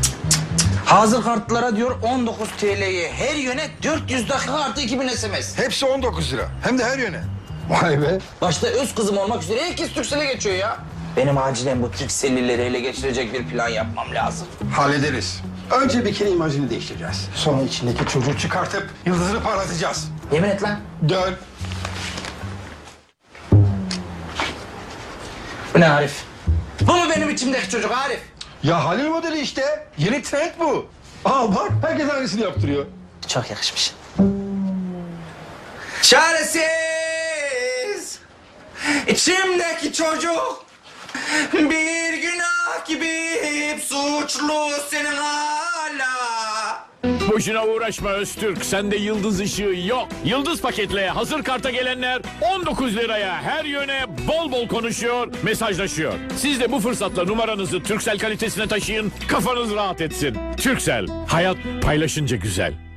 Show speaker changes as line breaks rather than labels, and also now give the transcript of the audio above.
Hazır kartlara diyor 19 TL'ye her yöne 400 dakika artı 2000 SMS.
Hepsi 19 lira. Hem de her yöne. Vay be.
Başta öz kızım olmak üzere herkes Turkcell'e geçiyor ya. Benim acilen bu Turkcell'lileri ele geçirecek bir plan yapmam lazım.
Hallederiz. Önce bir kere imajını değiştireceğiz. Sonra içindeki çocuğu çıkartıp yıldızını parlatacağız.
Yemin et lan.
Dön.
Bu ne Arif? Bu mu benim içimdeki çocuk Arif?
Ya Halil modeli işte. Yeni trend bu. Al bak, herkes aynısını yaptırıyor.
Çok yakışmış. Çaresiz içimdeki çocuk bir günah gibi hep suçlu senin hala.
Boşuna uğraşma Öztürk. Sende yıldız ışığı yok. Yıldız paketle hazır karta gelenler 19 liraya her yöne bol bol konuşuyor, mesajlaşıyor. Siz de bu fırsatla numaranızı Turkcell kalitesine taşıyın, kafanız rahat etsin. Turkcell, hayat paylaşınca güzel.